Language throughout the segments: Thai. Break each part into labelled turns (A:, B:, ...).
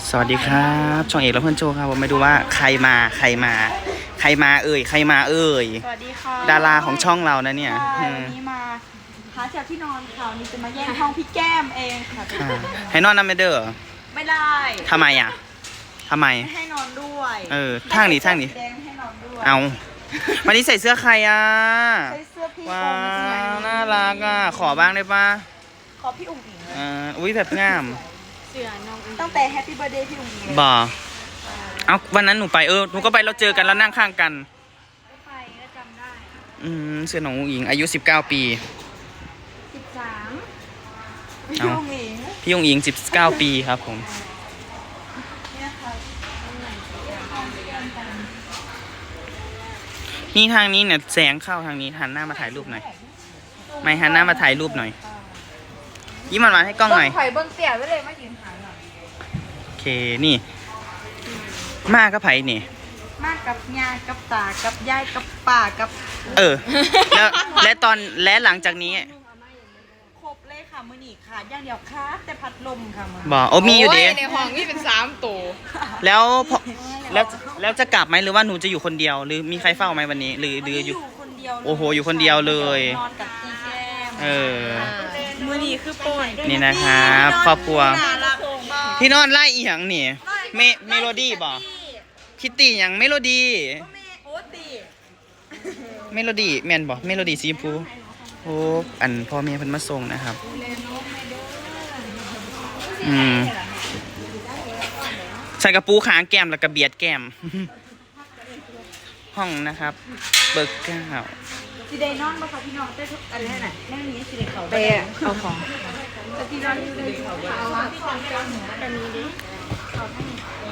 A: สวัสดีครับช่องเอกและเพื่อนโจครับผมไม่ดูว่าใครมาเอ่ย
B: สวัสดีค่ะ
A: ดาราของช่องเรานะเนี่ย
B: วันนี้มาหาจากที่นอนค่ะวันนี้จะมาแย่งห้องพี่แก้มเองค่ะ
A: ให้นอนน้ำไม่เด้อ
B: ไม่ได้
A: ทำไมอ่ะ
B: ไม่ให้นอนด้วย
A: ทางนี้
B: แดงไม่ให้นอนด้วย
A: เอาวันนี้ใส่เสื้อใครอ่ะ
B: ใส่เสื้อพี่
A: ว้าวน่ารักอ่ะขอบ้างได้ปะ
B: ขอพี่อุ๋งอิง
A: อุ้ยแบบงาม
B: ตั้งแต่ Happy Birthday พี่อุ๋งอิง
A: บ่เอาวันนั้นหนูไปหนูก็ไปเราเจอกันแล้วนั่งข้างกัน
B: ไปก็จำได้
A: เสื้อน้องอุ๋งอิงอายุ19 ปี
B: 13พี่อุ๋งอิง
A: พี่อุ๋งอิง19 ปีครับผมนี่ทางนี้เนี่ยแสงเข้าทางนี้หันหน้ามาถ่ายรูปหน่อยไม่หันหน้ามาถ่ายรูปหน่อยยิ้มหวานๆให้กล้องหน่อย
B: ไผ่เบิ้งเตี่ยไว้เลยมายืนหันหน่อย
A: โอเคนี่มากกับไผ่นี่
B: มากกับยายกับตากับยายกับป่ากับ
A: และหลังจากนี้
B: ครบเลยค่ะมือหนีค่ะย่างเดียวค่ะแต่พัดลมค่ะมือ
A: บอกมีอยู่ดี
C: ในห้องนี่เป็น3 ตัว
A: แล้วจะกลับไหมหรือว่าหนูจะอยู่คนเดียวหรือมีใครเฝ้าไหมวันนี้หรืออยู่
B: คนเดียว
A: โอ้โหอยู่คนเดียวเลย
B: นอนกับพี่แก้มมือหนีคือโปน
A: นี่นะครับครอบครัวที่นอนไล่อีหยังนี่เมโลดี้บอกคิตตี้อย่างเมโลดี้เมโลดี้แมนบอกเมโลดี้สีชมพูโอ้อันพ่อแม่เพิ่นมาส่งนะครับใส่กระปูขางแก้มแล้วก็เบียดแก้มห้องนะครับเบิกเก้า
B: สีแดงนอนมาค่ะพี่น้องได้ทุกอันนี้น่ะแม่นี้สีแดงเขา
C: ไปเอาของ
B: สีนอนอยู่ในเขาเอาที่ของเจ้าหนูกันนี้ดิเขาให้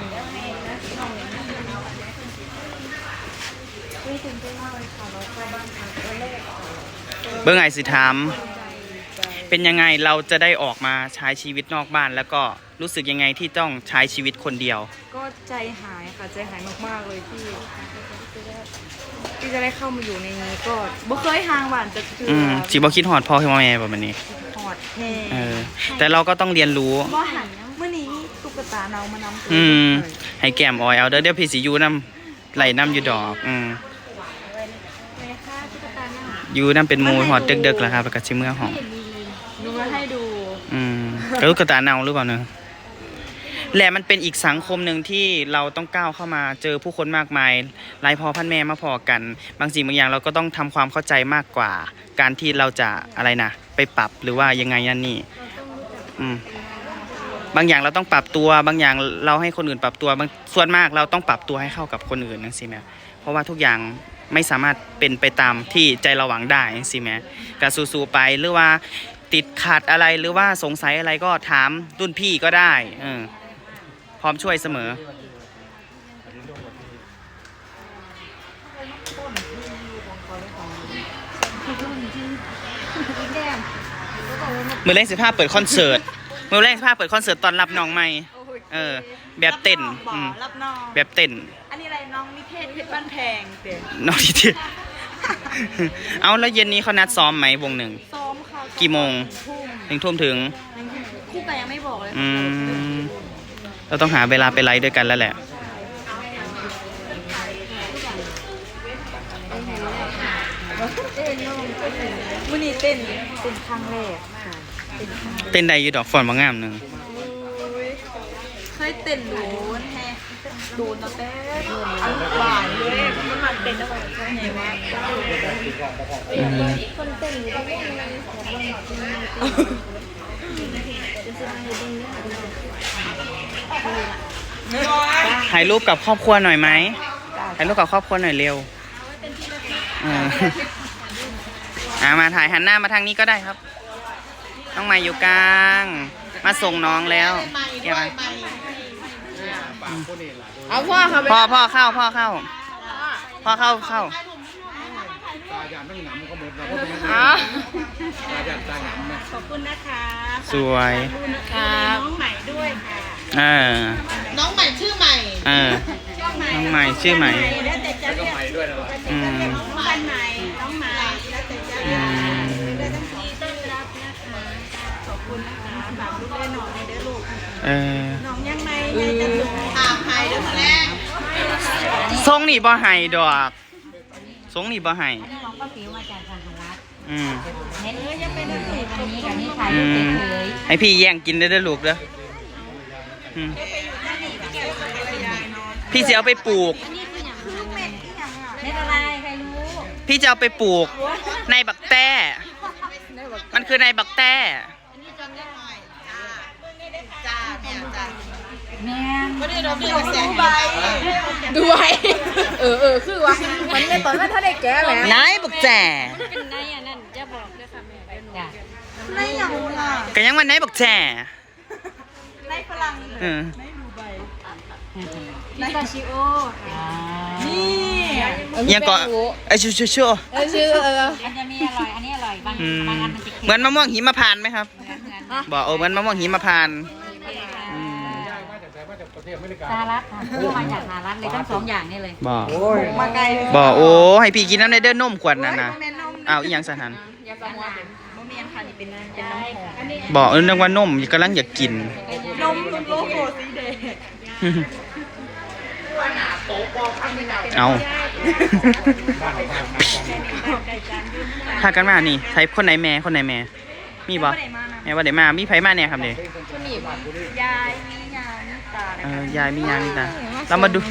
A: เบื้องไงสิถามเป็นยังไงเราจะได้ออกมาใช้ชีวิตนอกบ้านแล้วก็รู้สึกยังไงที่ต้องใช้ชีวิตคนเดียว
B: ก็ใจหายค่ะใจหายมากๆเลยที่จะได้เข้ามาอยู่ในนี้ก็บ่เคยห่างหวานจะคือ
A: จีบ่คิดหอดพ่อให้แม่แบบนี้
B: หอดแน่
A: แต่เราก็ต้องเรียนรู้
B: บ่หันเมื่อนี้ตุ๊กตาเรามานำ
A: ให้แก้มออยเอาเดี๋ยวพี่สิยูน้ำไหลน้ำอยู่ดอกยูน้ำเป็นมูหอดเด็กๆแล้วครับแล้วก็ชิมเมื่อหอม
B: ดูมาให้ดู
A: กระลูกกระตาเนาหรือเปล่าเนอะแหละมันเป็นอีกสังคมหนึ่งที่เราต้องก้าวเข้ามาเจอผู้คนมากมายหลายพ่อพันแม่มาพอกันบางสิ่งบางอย่างเราก็ต้องทำความเข้าใจมากกว่าการที่เราจะอะไรนะไปปรับหรือว่ายังไงนั่นนี่บางอย่างเราต้องปรับตัวบางอย่างเราให้คนอื่นปรับตัวบางส่วนมากเราต้องปรับตัวให้เข้ากับคนอื่นนั่นสิแม่เพราะว่าทุกอย่างไม่สามารถเป็นไปตามที่ใจเราหวังได้สิแม่ก็สู้ๆไปหรือว่าติดขัดอะไรหรือว่าสงสัยอะไรก็ถามรุ่นพี่ก็ได้พร้อมช่วยเสมอมือแรก15เปิดคอนเสิร์ตตอนรับน้องใหม่แบบเต้น
B: รับน้อง
A: แบบเต้น
B: อันนี้อะไรน้องนิเทศเพชรบ้านแพงเต้น
A: น้องนิเทศเอาแล้วเย็นนี้เขานัดซ้อมไหมวงหนึ่ง
B: ซ้อมค่ะ
A: กี่โมงทุ่มถึง
B: คู่แต่ยังไม่บอกเลย
A: เราต้องหาเวลาไปไลฟ์ด้วยกันแล้วแหละ
B: มื้อนี้เต้นครั้งแรก
A: เต้นได้อยู่ดอกฟอนบางงามหนึ่ง
B: เคยเต้นโดนนะแต่อันหวานเลยมันเต้นแล้วมันใช่ไหมคนเต้นอยู่ตรงนี้
A: ถ่ายรูปกับครอบครัวหน่อยไหมถ่ายรูปกับครอบครัวหน่อยเร็วมาถ่ายหันหน้ามาทางนี้ก็ได้ครับน้องใหม่อยู่กลางมาส่งน้องแล้วเดี๋ยว
C: เอาพ่อเข้า
A: พ่อเข้าตาหยา
C: นต้องหนำก็หมดแล้ว
B: ตาหยานตาหยำนะขอบคุณนะคะ
A: สวย
B: น้องใหม่ด้วยค่ะ
C: น้องใหม่ชื่อใหม่
A: น้องใหม่ชื่อใหม่
B: แล้วแต่จะเรียกใหม่ด้วยนะน้องบ้านใหม่น้องใหม่แล้วแต่จะเรียกได้ทั้งทีต้อนรับนะคะขอบคุณนะคะฝากลูกได้หน่อยได้ลูกน้องยังไม่จะถูกถามใครเดี๋ยวมาแรก
A: ทรงนี่บ่ให้ดอกทรงนี่บ่ให้
D: อันนี้น้องป้าปิ๋วมาจากทางรัฐ
A: อืม
D: เน้นยังเป็นวันนี้กับนี้ถ่ายรูปเฉย
A: ให้พี่แย่งกินได้เด้อลูกเด้ออืมพี่จะเอาไปปลูก
D: ๆอันนี้คืออย่างไรเม็ดอะไรใครรู้
A: พี่จะเอาไปปลูกในบักแต้มันคือในบักแต้
B: จ้าเนี่ยจ้า
D: แม่
B: ไม่ได้เราดูแสงใบ
C: ด้วยคือว่ามันในตอนนั้นถ้าได้แก้แหม
A: ในบักแต้
D: เป็นไงอันนั้นจะบอกด้วยค่ะแม่จ้ะ
B: ไม่อย่างล่ะ
A: ก็ยังว่าในบักแต้
B: ในฝรั่ง
A: เออ
D: พิซาชิโอ
B: นี่
A: ยังก็ไอ้ชูชูชู
C: ชื่อ
D: มันจะมีอร่อยอันนี้อร่อยบาง
A: อืม
D: บางอันมันจะเค็ม
A: เหมือนมะม่วงหิมพานต์ไหมครับ
D: เหมือน
A: บอกเหมือนมะม่วงหิมพานต์
D: สหรัฐค่ะพวกมาจากสหรัฐเลยทั้งสองอย่างนี่เลย
A: บอก
B: มาไกล
A: บอกโอ้ให้พี่กินน้ำในเด้อนมขวดนั่นนะ
B: แม่นม
A: อ้าวอีหยังสถาน
B: โมเมนค่ะนี่เป็นน้ำหอม
A: บอกนึกว่านมกำลังอยากกิน
B: นมโลโก้สีแดง
A: เอาพากันมานี่ใช้คนไหนแม่คนไหนแม่มีบ่แม่ว่าเดี๋ยวมามีไผมาเนี่ยครับเด็ก
B: ยายมียามีตา
A: ยายมียางนี่ตาเรามาดู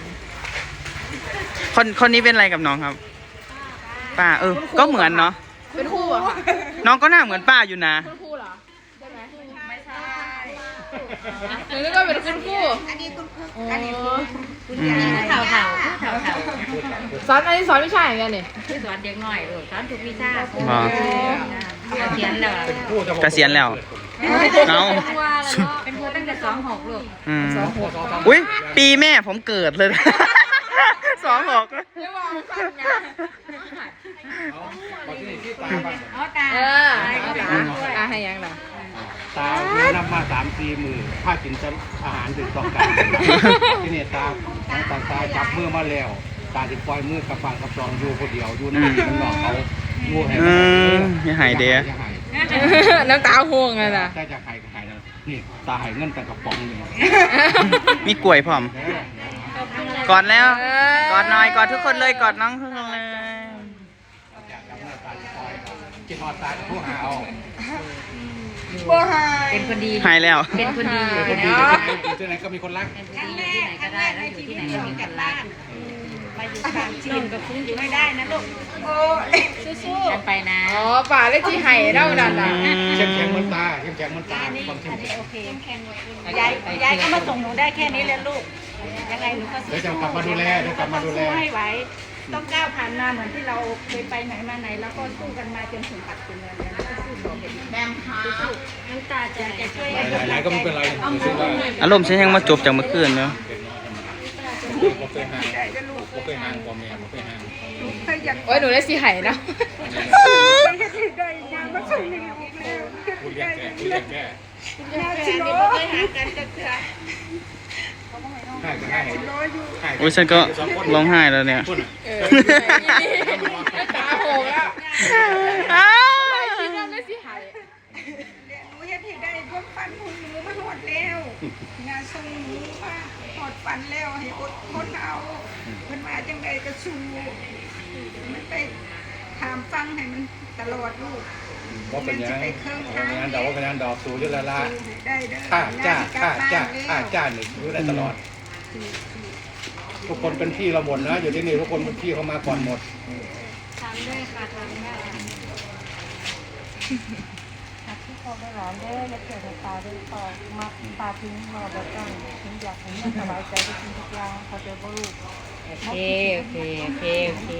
A: คนนี้เป็นอะไรกับน้องครับป้าก็เหมือนเนาะ
C: เป็นคู่อะค่ะ
A: น้องก็หน้าเหมือนป้าอยู่นะ
C: คู่เหรอใช่ไหม
B: ไม่ใช่
C: หรือก็เป็นคุณคู่
B: อันนี้คุณ
C: อันนี้
A: อืม
D: เถ่าเถ่าเถ่าเถ่า
C: สอนอันนี้สอนวิชาอย่างเงี้ยนี่
D: ที่สอนเด็กหน่อยสอนทุกวิชา
A: บอก
D: เขียนแล้ว
A: เกษียณแล้วเอา
D: เป็นครูตั้งแต่26ลูก
A: อืมอุ้ยปีแม่ผมเกิดเลย26
C: ไม่ว่าฟังไง
D: อ๋อตา
C: ให้ยังล่ะ
E: ตาเมื่อนำมา3-4 มือผ้ากินอาหารถึงต้องการที่นี่ตาทั้งตาจับมือมาแล้วตาจะปล่อยมือกับฟังกับจองอยู่คนเดียวอยู่นั่นมันนอกเขางูให้
A: อย่าหายเด้อ
C: น้ำตาห่วงเลยนะ
E: ถ้าจะหายก็หายแล้วนี่ตาหายเงินแต่กระป๋องหนึ่ง
A: มีกล้วยพร้อมกอดแล้วกอดหน่อยกอดทุกคนเลยกอดน้องทุกคนเลย
E: กินหอดตาผู้หาเอา
B: บัวหาย
D: เป็นคนดี
A: หายแล้ว
D: เป็นคนดีอยู่
E: คน
D: ที่
E: ดี
D: ไหน
E: อยู่ที่ไหนก็มีคนรัก
D: เป็นคนดีอยู่ที่ไหนก็ได้แล้วอยู่ที่ไหนก็มีคนรัก
B: มาอยู่ทางจีนกับคุณอยู่ไม่ได้นะลูกโอ้สู้
D: กันไปนะ
C: อ๋อป่าเลขที่ไห่เล่านั่นน่ะ
E: เข้มแข็งเหมือนตาเข้มแข็งเหมือนตาความเข้มแข็ง
B: โอเคยายก็มาส่งหนูได้แค่นี้เลยลูกยังไงหนูก็
E: เดี๋ยวจะกลับมาดูแลเดี๋ยวกลับมาดูแล
B: สู้ให้ไหวต้องก้าวผ่านมาเหมือนที่เราเคยไปไหนมาไหนแล้วก็สู้กันมาจนถึงปัจจุบันนี้ก็สู้ต่อไปอีกแบมค่ะน้ำตาจะช่วย
E: ไหนๆก็ไม่เป็นไรรู้ว่า
A: อารมณ์ฉันยังมาจบจากเมื่อคืนเนาะ
E: บ่เคยห่างบ่เคยห่างกว่าแม่บ่เคยห่าง
C: โอ้ยหนูได้สีไห่นะ
E: พูดเรียกแก่พูดเรียกแก่
B: ชิโร่เคยหากันจะเถื่อ
E: ให้ก็ให้ให้
A: โอ้ยฉันก็ร้องไห้แล้วเนี่ย
E: พูด
C: ตาห่วงแล้ว
A: อ้าว
C: คิดว่าได้สีไห่
B: หนูเฮ็ดให้ได้พวกฟันหุ่นหนูมันหดแล้วงานทรงหนูว่าหดฟันแล้วให้อดทนเอามันมาจังใดก็สู้มันไปถามฟังให้มันตลอดลูก
E: ว่าเป็นยังงานดอกว่าเป็นงานดอกสูงอยู่แล้วล่ะ
B: ได้เด้อ
E: ค่าจ้าหนึ่งรู้ได้ตลอด ทุกคนเป็นพี่เราหมดนะอยู่ที่นี่ทุกคนเป็นพี่เขามาก่อนหมด
D: ทำด้วยค่ะทำได้ที่เขาได้ร้านได้และเกิดตาด้วยต่อมาตาทิ้งมาแบบกันทิ้งอยากให้แม่สบายใจไปกินทุกอย่างเขาจะบรูโอเคโอเคโอเคโอเค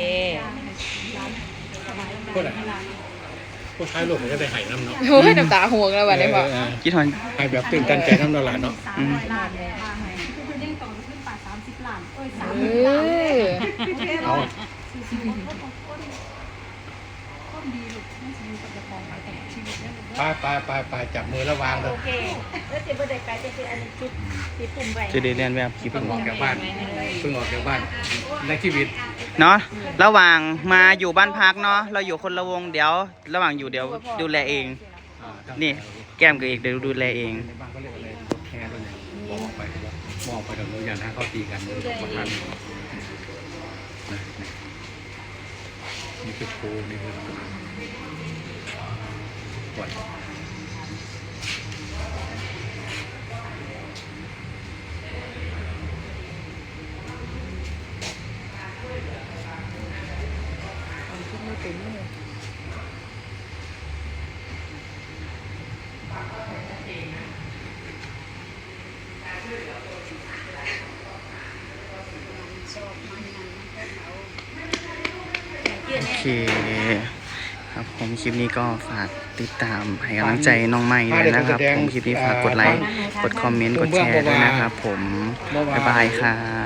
E: พูดอะไรพูดท้ายลูกมันจะได้หายน้ำเนาะ
C: โอ้ยน้ำตาห่วงแล้ววันนี้บอก
A: คิดถอน
E: หายแบบตื่นตันใจน้ำละลายเนาะ
A: อืม
E: เอา ไปจับมือแล้ววางเลย
B: โอเคแล้วสิบ่ได้ไปจะเป็นอันนี้จุดที่ปุ่มไว้
A: จะได้เรียนแบบคลิป
E: เพิ่งออกจากบ้านเพิ่งออกจากบ้านในชีวิต
A: เนาะระหว่างมาอยู่บ้านพักเนาะเราอยู่คนละวงเดี๋ยว ระหว่างอยู่เดี๋ยวดูแลเอง นี่แก้มกับเอกเดี๋ยวดูแลเอง
E: ในบ้านเขาเรียกอะไรมองไปกับอย่างถ้าเขาตีกันเลยประกันนี่คือโคนี่คือปล่อย
C: คิดไม่เป็นเลย
A: โอเคครับผมคลิปนี้ก็ฝากติดตามให้กำลังใจน้องใหม่ด้วยนะครับผมคลิปนี้ฝากกดไลค์กดคอมเมนต์กดแชร์ด้วยนะครับผมบ๊ายบายครับ